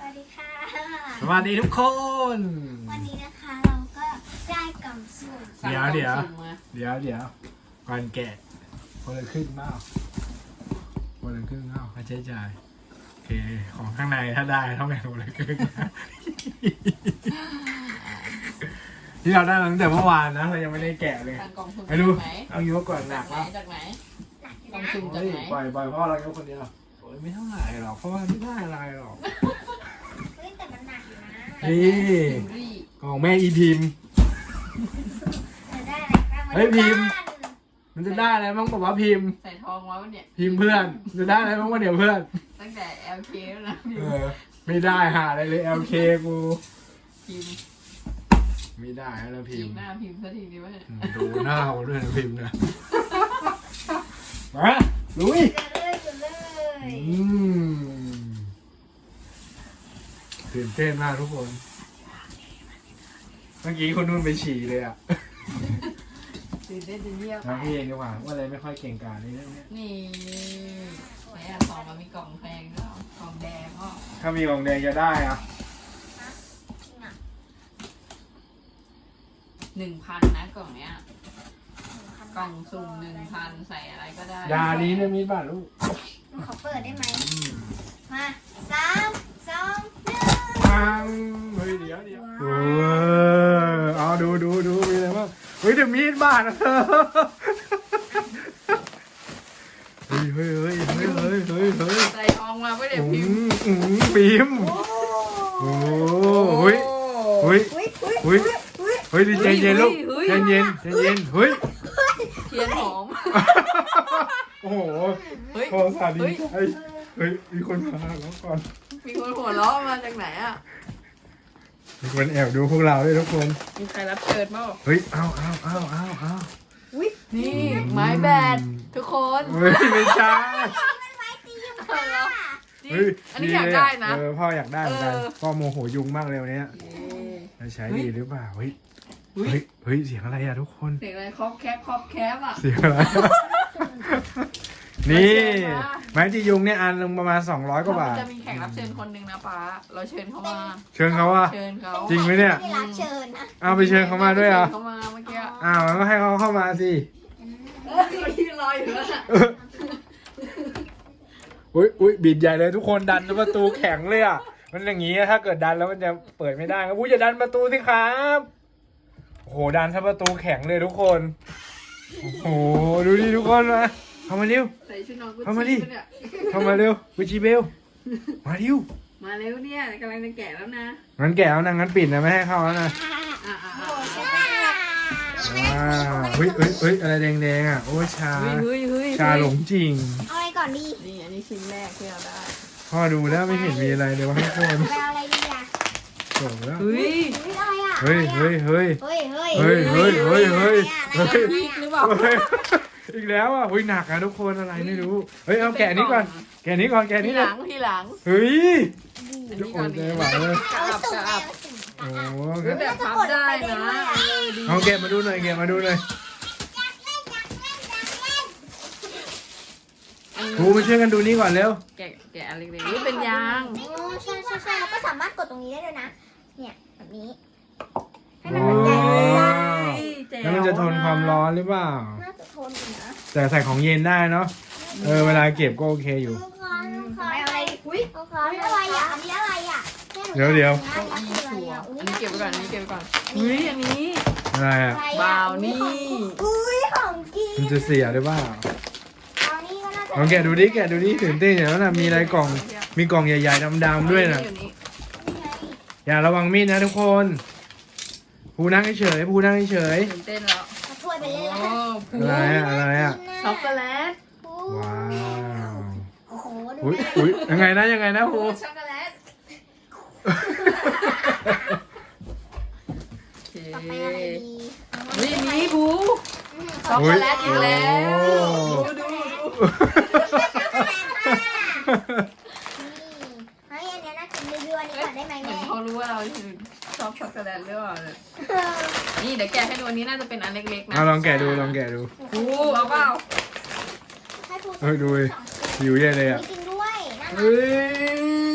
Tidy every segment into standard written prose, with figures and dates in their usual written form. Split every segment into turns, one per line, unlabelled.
วัสดีค่ะ
สวัสดีทุกคน
วันนี้นะคะเราก็ได้กล่องสุ่ม
เดี๋ยวก่อนแกะคนละครึ่งเปล่าคนละครึ่งเปล่าค่าใช้จ่ายโอเคของข้างในถ้าได้ต้องแบ่งคนละครึ่งที่เราได้มาตั้งแต่เมื่อวานนะเรายังไม่ได้แกะเลย
ทางกล่องสุ่ม
ไปดู
จากไหน
เอายกก่อนหนัก
จากไหน
หนักอยู่
กล่อง
นะ
สุ่มจาก
เฮ้ย
ไหน
ปล่อยพ่อเรายกคนเดียวโอ้ยไม่เท่าไหร่หรอกเพราะว่าไม่ได้อะไรหรอก
เฮ้ยแต่มันหนักอยู่นะ
นี่
พิมพ์รี่
ของแม่อีพิมพ์
จะได้อะไรบ้าง
เฮ้ยพิมพ์ มันจะได้อะไรบ้างบอกว่าพิมพ์
ใส่ทองไว้วันเนี่ย
พิมพ์เพื่อนจะได้อะไรบ้างวะเดี๋ยวเพื่อน
ตั้งแต่ LK แล้วนะ
ไม่ได้หาอะไรเลย LK กู
พิมพ์
ไม่ได้แล้วพิ
จี
ม
บ
พ์
หน้าพิมพ์สักทีดีวะเนี่ย
ดูหน้าเขาด้วยนะพิมพ์นะมาลุย
จะเลยจะเลย
ตื่นเต้นมากทุกคน เมื่อกี้คนนู้นไปฉี่เลยอ่ะ
ตื่นเต้นจะเยี่ยม
นะพี่เองดีกว่าว่าอะไรไม่ค่อยเก่งกาจในเรื่องนี้
นี่ไหนอะทองมันมีกล่องแพงด้วยเหรอกล่องแดงก็
ถ้ามีของแดงจะได้อ่ะ
จริงอ่ะ
1,000นะกล่องเนี้ยกล่องสุ่ม1,000ใส่อะไรก็ได้
ยานี้เนี่ยมีบ้านลูก
หนูขอเปิดได้ไหม
อืม
มาสามสองหนึ่ง
ปังเฮ้ยเดี๋ยวโอ้เอาดูมีอะไรบ้างเฮ้ยเดี๋ยวมีดบาดนะเธอเฮ้ย
ใส่ทองมาไม่ได้
อื
พิมพ์
พิมพ์
โอ้
โอ้ยเฮ้ย
อุ้ยอุ้ย
เฮ้ยเฮ้ยใจเย็นลูกใจเย็นเฮ้ย
เทียนหอม
โอ้โห
เฮ้ย
โทรศัพท์ดีใจเฮ้ยมีคนมาแล้วก่อน
มีคนหัวเราะมาจากไหนอ่ะ
มีคนแอบดูพวกเราด้วยทุกคน
มีใครรับเชิญมั้ง
เฮ้ยเอา
อุ้ย
นี่ไม้แบดทุกคน
เฮ้ยไม่ใช่
มันไม้ตียุง
เอาเหรอ จริง
เฮ้ย
อันนี้อยากได้นะ
พ่ออยากได้เหมือนกัน
เออ
พ่อโมโหยุงมากเลยวันเนี้ยจะใช้ดีหรือเปล่าเฮ้ย
อุ๊ย
เฮ้ยเสียงอะไรอะทุกคน
เสียงอะไรครอบแคบอ่ะ
เสียงอะไร นี่
มาเชิญมา
ไม้จียุงเนี่ยอันนึงประมาณ200กว่าบาท
จะมีแขกรับเชิญคนหนึ่งนะป๊าเราเชิญเขามา
เชิญเขาว่า
เชิญเขา
จริงไหมเนี่ย
ไม่ได้รับเชิญนะ
เอาไปเชิญเขามาด้วยเหรอ่ะ
เชิญเขามาเมื่อกี้
อ้าวก็ให้เขาเข้ามาสิ
ที่รออยู่แล้วน่ะ
อุ้ยบิดใหญ่เลยทุกคนดันประตูแข็งเลยอ่ะ มันอย่างงี้ถ้าเกิดดันแล้วมันจะเปิดไม่ได้ครับอุ้ยอย่าดันประตูสิครับโอ้โหดันซะประตูแข็งเลยทุกคนโอ้โหดูดิทุกคนมาเข้ามาเร็ว
ใส่ชุดนอนกุช
เอามาดิ
ชี่ปะเนี่ย
เข้ามาเร็วกุชิเบลมาเร็ว
มาเร็วเนี่ยกำลังจะแกะแล้วนะ
งั้นแกะเอานะงั้นปิดนะไม่ให้เข้าแล้วนะ
อ่ะ
โอ้ใช่
ว้าวเฮ้ยอะไรแดงๆอ่ะโอ้ยชา
เฮ้ย
ชาหลงจริง
เอาอะไรก่อนดี
นี่อันนี้ชิ้นแรกที่เราได้
พ่อดูแล้วไม่เห็นมีอะไรเลยวะทุกคน
ไปเอาอะไรดีอ่ะ
โอ้แล้ว
เฮ้ย
อุ้ยอะไรอ่ะ
เฮ้ย
เฮ้ยเฮ้ย
เฮ้ยเฮ้ยเฮ้ย
พีกหรือเปล่า
เฮ้ยอีกแล้วอ่ะอุ้ยหนักอะทุกคนอะไรไม่รู้เฮ้ยเอาแกะนี้ก่อนแกะนี้ก่อนแกะ
ที
นี้
ห
ก่อ
ลั
น
งทีหลัง
เฮ้ย
อัน
ทุก
นี้
ค
ก่อน น
ใจ
นี่
หวังเลย
กระอับกระอับ
โอ้
เฮ้ยแบบพับได้นะดี
เอาแกะมาดูหน่อยแกะมาดูหน่อยครูมาช่วยกันดูนี่ก่อนเร็ว
แกะอะไรเล็กๆนี่เป็นยาง
โอ้ใช่แล้วก็สามารถกดตรงนี้ได้ด้วยนะ เนี่ยแบบนี้ ให้มัน
โอ้
หัวใจเลยนะ
แล้วมันจะทนความร้อนหรือเปล่า
น่าจะทนอยู่นะ
แต่ใส่ของเย็นได้เนาะเวลาเก็บก็โอเคอยู่
ลูกคอนอะไรอุ้ยลูกคอนอะไรอ่ะอันนี้อะไรอ่ะ
เดี๋ยว
เก้าอี้ชัวร์อันนี้เก็บไว้ก่อนอันนี้เก็บไว้ก่อนเฮ้ยอันนี้
อะไรอ่ะ
บราวนี่
อุ้ยของกิน
มันจะเสียหรือเปล่า
บราวนี่ก็น่าจะ
ลองแกะดูดิตื่นเต้นอย่างนั้นนะมีอะไรกล่องมีกล่องใหญ่ๆดำๆด้วยนะ
อยู่นี่
อย่าระวังมีดนะทุกคนภูนั่งเฉยๆภูนั่งเฉย
ตื่นเต้นแล้ว
มาช่วยไปเลย
โอ้
ละ
ๆอะไรอ่ะ
ช็อกโกแลต
ว้าว
โอ้โหดู
อุ้ยยังไงนะภู
ช็อกโกแลตโอเค
ต่อไปอะไรดี
นี่บูช็อกโกแลตอีกแล้วดู
เฮ้ยอันนี้น่ากินรีวิวอันนี้ก่อนได้ไหม
เหมือ
แม่
นเขารู้ว่าเราชอบช็อกโกแลตหรือเปล่าเนี่ยนี่เดี๋ยวแกะให้ดูอันนี้น่าจะเป็นอันเล็กๆนะ
เอาลองแกะดู
บูเอาเปล่า
ให้พูด
เฮ้ยดูหิวเย็นเลยอ่ะ
มีจริงด้วยน่ารั
เฮ้
ก
ย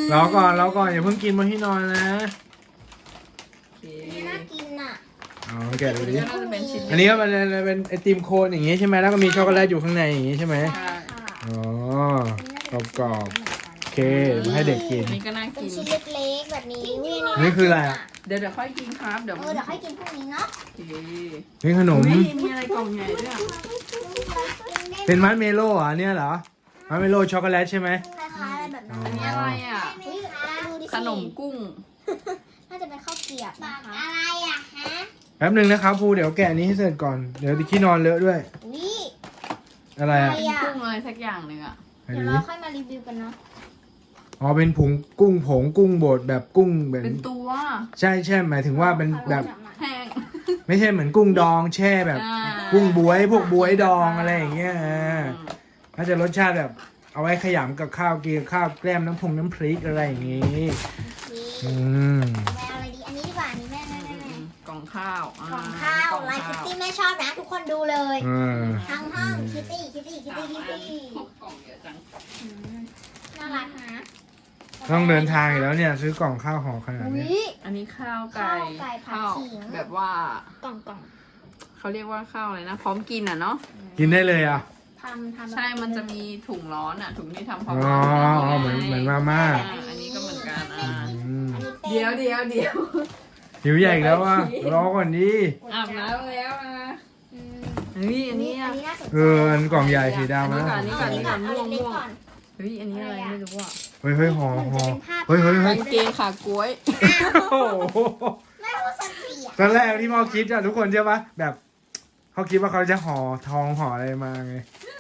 รอก่อนอย่าเพิ่งกินบนที่นอนนะ
โอเค
น่ากินอ่ะ
อ๋อแกะดูดิ
ก็น่าจะเป็นชิ้น
อันนี้ก็เป็นไอติมโคนอย่างงี้ใช่ไหมแล้วก็มีช็อกโกแลตอยู่ข้างในอย่างงี้ใช่ไหม
ใช่
อ๋อกรอบๆโอเคมาให้เด็กกิน
อันนี้ก็น่า
เป็น
กิน
ชิ้นเล็กๆแบบนี้อุ้ย
นี่คืออะไรอ่ะ
เดี๋ยวค่อยกินครับเดี๋ยว
เดี๋ยวค่อยกินพวกนี้เนาะ
โอเค
นี่ขนม
อุ๊ยมีอะไรกล่องใหญ่ด้วยอะ
เป็นมัดเมโล่เหรอเนี่ยเหรอมัดเมโล่ช็อกโกแลตใช่ไหม
คล้ายๆอะไรแบบนั้น
อันนี้อะไรอ่ะ
อุ๊ยดูดิสิ
ขนมกุ้ง
น่าจะเป็นข้าวเกรียบนะคะอะไรอ่ะฮะ
แป๊บหนึ่งนะครับครูเดี๋ยวแกะอันนี้ให้เสร็จก่อนเดี๋ยวที่นอนเลอะด้วย
นี่
อะไรอ่ะ
เป็นกุ้งอะไรสักอย่างหนึ่งอ่ะ
ไหน
เดี๋ยว
ดู
เรา
ดิ
ค่อยมารีวิวกันเนาะ
อ๋อเป็นผงกุ้งบดแบบกุ้งแบบ
เป็นตัว
ใช่หมายถึงว่าเป็นแบบ
แห้ง
ไม่ใช่เหมือนกุ้งดองแช่แบบ
อ่า
กุ้งบวยพวกบวยดองอะไรอย่างเงี้ยน่าจะรสชาติแบบ เอาไว้ขยำกับข้าวกินกับข้าวแกล้มน้ำพริกอะไรอย่างงี้
นี่
อืม
แม่เอาอะไรดีอันนี้ดีกว่าอันนี้แม่
กล่องข้าวอ่
ของข้าว
กล่อง
ลายคิต
ข้าว
ตี้แม่ชอบนะทุกคนดูเลย
อ่า
ทั้งห้องคิตตี้
สามอันกล่องเยอะจัง
น่ารักนะ
ต้องเดินทางอยู่แล้วเนี่ย ซื้อกล่องข้าวห่อขนาด
อุ้
นี้
ย
อันนี้ข้าวไก่
ข้าวไก่ผัด
ข้าว
ขิง
แบบว่า
กล่อง
เขาเรียกว่าข้าวอะไรนะ พร้อมกินอ่ะเนาะ
กินได้เลยอ่ะ
ทำ
ใช่ มันจะมีถุงร้อนอ่ะ ถุงที่ทำพร้อม
อ๋อ
ร้อน
เหมือนมาม่า
อันนี้ก็เหมือนกันอ่า
อืม
อันนี้เป็น
เดี๋ยว
หิวใหญ่อีกแล้วว่ะรอก่อนดิ
อาบน้ำแล้วนะ
อืม
เฮ้ยอันนี้อ่ะ
น่าสนใจ
อันกล่องใหญ่สีดำนะ
อันนี้ก่อน
เอา
ม่วง
เล็กๆก่อน
เฮ้ยอันนี้อะไรไม่รู้อ่ะ
เฮ้ยห่อ
เหมือนจะเป็นภาพ
เฮ้ย
กางเกงขากล้วย
โอ้โห
ไม่รู้สักเสีย
ตอนแรกที่พ่อคิดอะทุกคนใช่ปะแบบเขาคิดว่าเขาจะห่อทองห่ออะไรมาไง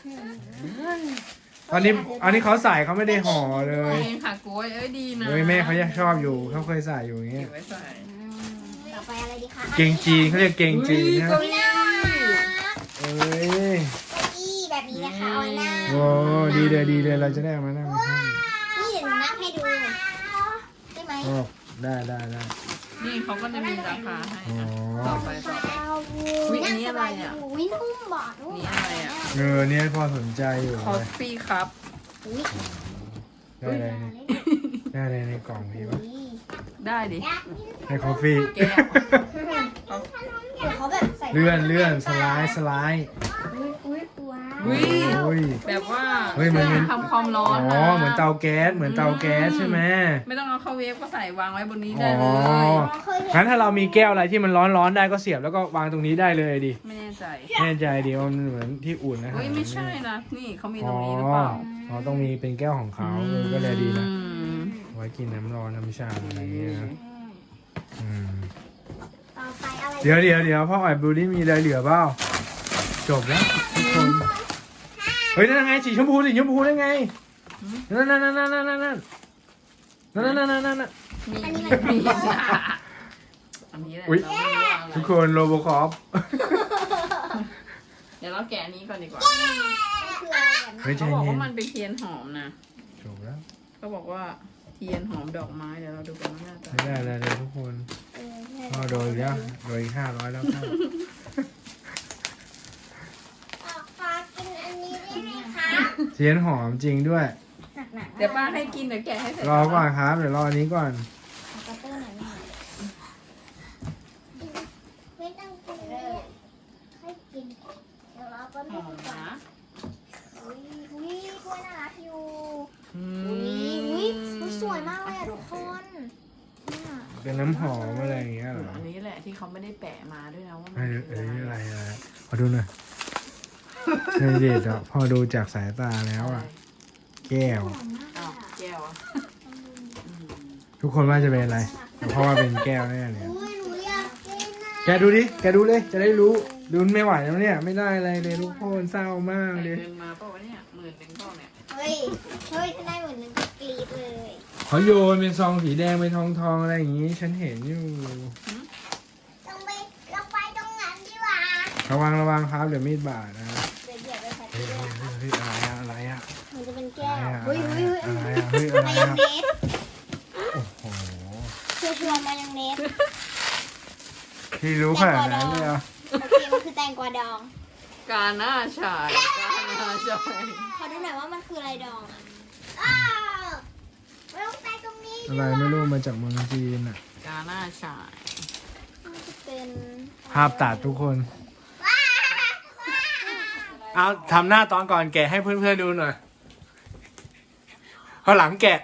อันนี้เขาใส่เขาไม่ได้ห่อเล
กาย งเกงขากล้วยเอ้ยดีนะ
เฮ้ยแม่เขายังชอบอยู่เขาเคยใส่อยู่อย่างเงี้
เก็
ย
บไว้ใส่
ต่อไปอะไรดีคะ
เกงจีนเขาเรียกเกงจีนนะ
เก้า
ไม่
อี้
น่ารัก
เอ้ย
เก้าอี้แบบนี้นะคะเอาไว้นั่ง
โอ้ดีเลยเราจะได้เอามานั่งในห้อง
นี่เดี๋ยวหนูนั่งให้ดูได้ไหม
โอ้ได้
นี่เขาก็จะมีราคาให้
อ๋อ
ต่อไป อุ๊ยอันนี้อะไรอะ
อุ้ยนุ่มบอดนุ่ม
นี่อะไรอะ
เนี่ยพ่อสนใจอยู่
คอฟฟี่ครับ
อุ้ย
ได้เลยได้เลยในกล่องพี่ปะ
ได้ดิ
ให้คอฟฟี่
แก้ว
เดี๋ยวเขาแบบใส่
เลื่อนสไลด์
อุ้ยว้าว
อุ้ย
โอ้ย
แบบว่า
เฮ้ยมันเป็น
ทำความร้
อ๋
อนนะ
อเหมือนเตาแก๊สใช่ไหม
ไม่ต้องเอาเข้าเวฟก็ใส่วางไว้บนนี้
อ๋
ได้
อ
เลย
เคยเห็น
งั้นถ้าเรามีแก้วอะไรที่มันร้อนได้ก็เสียบแล้วก็วางตรงนี้ได้เลยดิ
ไม่แน่ใจ
แน่ใจดิว่ามันเหมือนที่อุ่นนะครั
เฮ้ยไม่ใช่นะ นี่เขามีต
อ๋
ร
อง
นี้หรือเปล่า
อ๋อต้องมีเป็นแก้วของเขาก็เลยดีนะ
อืม
ไว้กินน้ำร้อนน้ำชาอะไรอย่างเงี้ยนะอืม
ต่อไปอะไร
เดี๋ยวพ่ออ่อยบลูนี่มีอะไรเหลือเปล่าจบแล้วทุกคนเฮ้ยนั่นไงสีชมพูได้ไงนั่น
มีอันนี้แหละ
อุ๊ย
เราไม่รู้ว่าอะไร
ทุกคนโรบคอป
เดี๋ยวเราแกะอันนี้ก่อนดีกว่า
คืออะไรแบบ
เฮ้ยใจ
เขาบอก
เย็
ว่าน มันเป็นเทียนหอมนะ
จบแล้ว
เขาบอกว่าเทียนหอมดอกไม้เดี๋ยวเราดูกันว่าหน้าตา
ไม่ได้เลยทุกคนพ่อโดนอีกแล้วโดนอีก500แล้วครับ
ขอกินอันนี้ได้ไหมคะ
เทียนหอมจริงด้วย
หนักๆ
เดี๋ยวป้าให้กินเดี๋ยวแกะให้เสร็จ
รอก่อนครับ เดี๋ยวรออันนี้ก่อน
กระเตื้อหน่อยแม่ไม่ต้องกินเลยให้กินเดี๋ยวเราก็
ห
ไม่
อม
กินก่อน
นะ
อุ้ยกล้วยน่ารักอยู่
อื
อุ้ยสวยมากเลยอะทุกคนเนี่ย
เป็นน้ำหอมอะไรอย่างเงี้ยเหรอ
อันนี้แหละที่เขาไม่ได้แปะมาด้วยนะว่ามั
เอ้
น
ย
คือ
เอ้ย
อะ
อะไร ไรขอดูหน่อยไม่เด็ดอ่ะพอดูจากสายตาแล้วอ่ะ แก้ว
หอมมาก
อ้าว
อะ
แก้วอ่ะ
ทุกคนว่าจะเป็นอะไรแต่เพราะว่าเป็นแก้วแน่เลย
อุ้ยหนูอยากกินนะ
แกดูดิ แกดูเลย จะได้รู้ลุ้นไม่ไหวแล้วเนี่ย ไม่ได้อะไรเลยทุกคนเศร้ามาก
ใส่
เลย
เงินมาเปล่าวะเนี่ย10,000เปล่าเนี่ย
เฮ้ยถ้าได้เหมือนนึงก็กรี๊ดเลย
เขาโยนเป็นซองสีแดงเป็นทองอะไรอย่างงี้ ฉันเห็นอยู่
ต้องไปเราไปตรงนั้นดีกว่า
ระวังครับ เดี๋ยวมีดบาดนะ
เดี๋ยวเดี๋ยวไปใส่
เฮ้ย
เกลือ
เฮ้ยอะไรอะ
มันจะเป็นแก้ว
อะไร
เฮ้ย
อะ
เฮ้ยเฮ้ย
อะไรอะเฮ้ยอะไร
มายอง
อะ
เนส
โอ้โห
ชัวร์ๆมายองเนส
ที่รู้ขนาดนั้นเลยเหรอ่ะ
โอเคมันคือแตงกวาดอง
กาหน้าชายกาหน้าชาย
ขอดูหน่อยว่ามันคืออะไรดองอ่ะอ้าวไม่ต้องไปตรง
อะไรไม่รู้มาจากเมืองจีนอ่ะ
กาหน้าชาย
น่าจะเป็น
ภาพตัดทุกคน เอาทำหน้าตอนก่อนแกะให้เพื่อนๆดูหน่อยพอหลังแกะ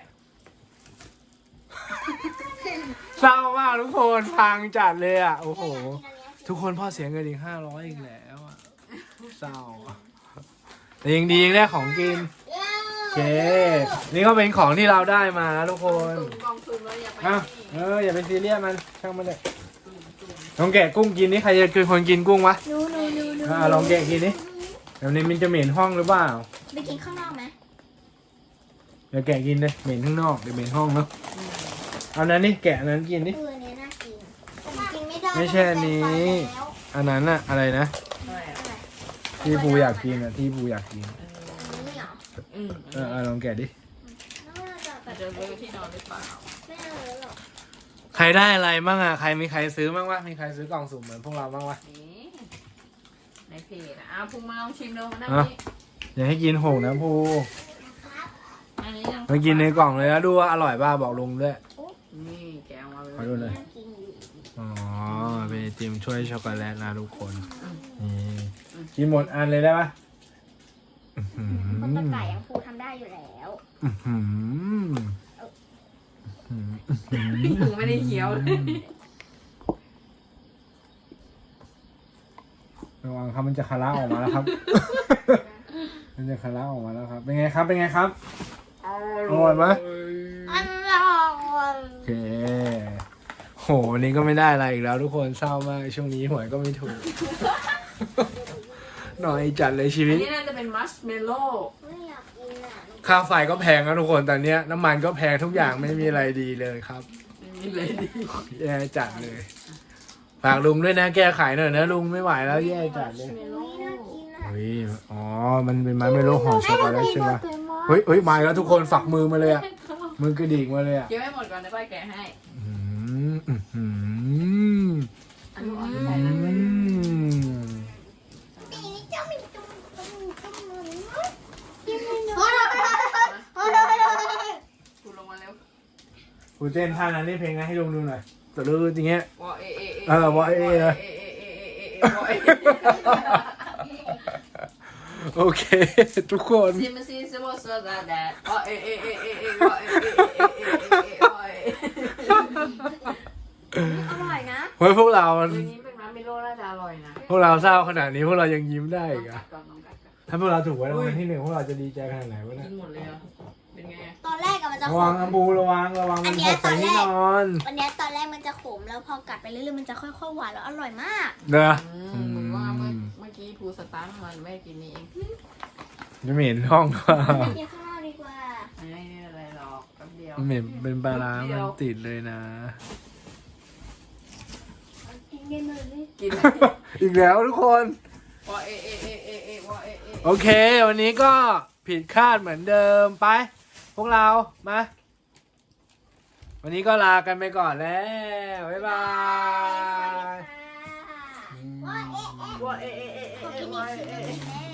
เศร้ามากทุกคนพังจัดเลยอ่ะ โอ้โห ทุกคนพ่อเสียเงินอีก500อีกแล้วอ่ะเศร้าอะแต่ยังดียังได้ของกินโอเค นี่ก็เป็นของที่เราได้มานะทุกคน
ตุ่มกองทุนแล้วอย่าไป
อ่ะ
นี่
อย่าไปซีเรียสมันช่างมันเลยลองแกะกุ้งกินนี่ใครจะคือคนกินกุ้งวะ
นู
ลองแกะกินนี่เดี๋ยวนี้มันจะเหม็นห้องหรือเปล่า
ไปกินข้างนอกไหม
เดี๋ยวแกะกินเลยเหม็นข้างนอกเดี๋ยวเหม็นห้องเนาะเอานั้นนี่แกะอันนั้นกินนี่
อันนี้น่ากินแต่ผมกินไม่ได้
ไม่ใช่อันนี้
แล้ว
อันนั้นอะอะไรนะ
อะไรอ่ะ
อะไร
ที่ปูอยากกินอะที่ปูอยากกิน
อันนี้เหรอ
ลองแกะดิ
น่าจะแบ
มัน
บ
จะเลอะที่นอนหรือเปล่า
ไม่เอาเลยหรอก
ใครได้อะไรบ้างอะใครมีใครซื้อบ้างวะมีใครซื้อกล่องสุ่มเหมือนพวกเราบ้างวะ
นี่ในเพจอ่ะพุงมาลองชิมดูนะ
อ่ะ
นี่
อย่าให้กินโหงนะปู
อันนี้ยัง
ไปกินในกล่องเลยนะดูว่าอร่อยป่ะบอกลุงด้วย
นี่แกะออกมาเลย
ขอดูหน่อย
น่ากินอยู่
อ๋อเป็นไอติมช่วยช็อกโกแลตนะทุกคนนี่กินหมดอันเลยได้ปะอื้อหื
คนตะ
อ
ไก่ยังพูทำได้อยู่แล้ว
อื้อหือ
พุงไม่ได้เคี้ยวเลย
ระวังครับมันจะคาราออกมาแล้วครับ มันจะคาราออกมาแล้วครับ เป็นไงครับเป็นไงครับอร่อยไหม
อร่อย
โอเคโหวันนี้ก็ไม่ได้อะไรอีกแล้วทุกคนเศร้ามากช่วงนี้หวยก็ไม่ถูก หน่อยจัดเลยชี
อั
วิ
น
ต
นี้น่าจะเป็นมัชเมลโล่
ไม่อยากกินอ่ะ
ค่าไฟก็แพงนะทุกคนตอนเนี้ยน้ำมันก็แพงทุกอย่างไม่มีอะไรดีเลยครับ
ไม่มีเลยดี
แย่จัดเลยฝากลุงด้วยนะแก้ไขหน่อยนะลุงไม่ไหวแล้วแย่จัดเลย
ไม่น่ากินอ่ะ
เฮ้ยอ๋อมันเป็นไม้ไม่รู้ห่อช็อกโกแลตใช่ไหมเฮ้ยมาแล้วทุกคนฝักมือมาเลยอะมือกระดิกมาเลยอะ
เคี้ยวให้หมดก่อนนะป้าแกะให้
อืมอืมอืม
อันนี้อ่อนที่
อื
ไหนนะ
ม
ปีนี้เจ้ามีจุ่มกินไม่หนูโอ้ย
คุณลงมาเร็ว
กูเต้นท่านั้นนี่เพลงนะให้ลุงดูหน่อยแต่รู้จริงเงี้ย
วอเอเอเอ
เออวอเอเอนะ
วอเอ
โอเค ทุกคน
ซิมซีสวอสดาแดดวอเอเอเอเอเอวอเอเอเอเอเอวอเอ
อร่อยนะ
เฮ้ยพวกเรา
อันนี้เป็นมัชเมลโล่น่าจะอร่อยนะ
พวกเราเศร้าขนาดนี้พวกเรายังยิ้มได้อีก
กั
อะ
ดก่อนน้องกัดก่อน
ถ้าพวกเราถูกไว้รางวัลที่ 1พวกเราจะดีใจขนาดไหนวะเนี่ย
กินหมดเลยอ่ะเป็นไง
ตอนแรกอะมันจะ
ระ
ข
วัง
ม
อัมบูระวังมันหกใส่ที่นอน
วันเนี้ยตอนแรกมันจะขมแล้วพอกัดไปเรื่อยๆมันจะค่อยๆหวานแล้วอร่อยมาก
เด้อ
เหมือนว่าเมื่อกี้ภูสตาร์ทมันไม่กินนี่เอง
จะเหม็นห้องว่า
ไปกินข้างนอกดีกว่า
ไม่อะไรหรอกแป๊บเดียว
เหม็นเป็นปลาร้ามันติดเลยนะ
กินกันเลย
กิน
อีกแล้วทุกคน
วอเอเอเอเอเอวอเอเอ
โอเค วันนี้ก็ผิดคาดเหมือนเดิมไป พวกเรามา วันนี้ก็ลากันไปก่อนแล้ว บ๊ายบาย
ว่าเอ๊ะ
วอเอเอเอเอ
ขอกิน
ว
อี
อก เอ
ชิ้น
เอ
หนึ่งแล้ว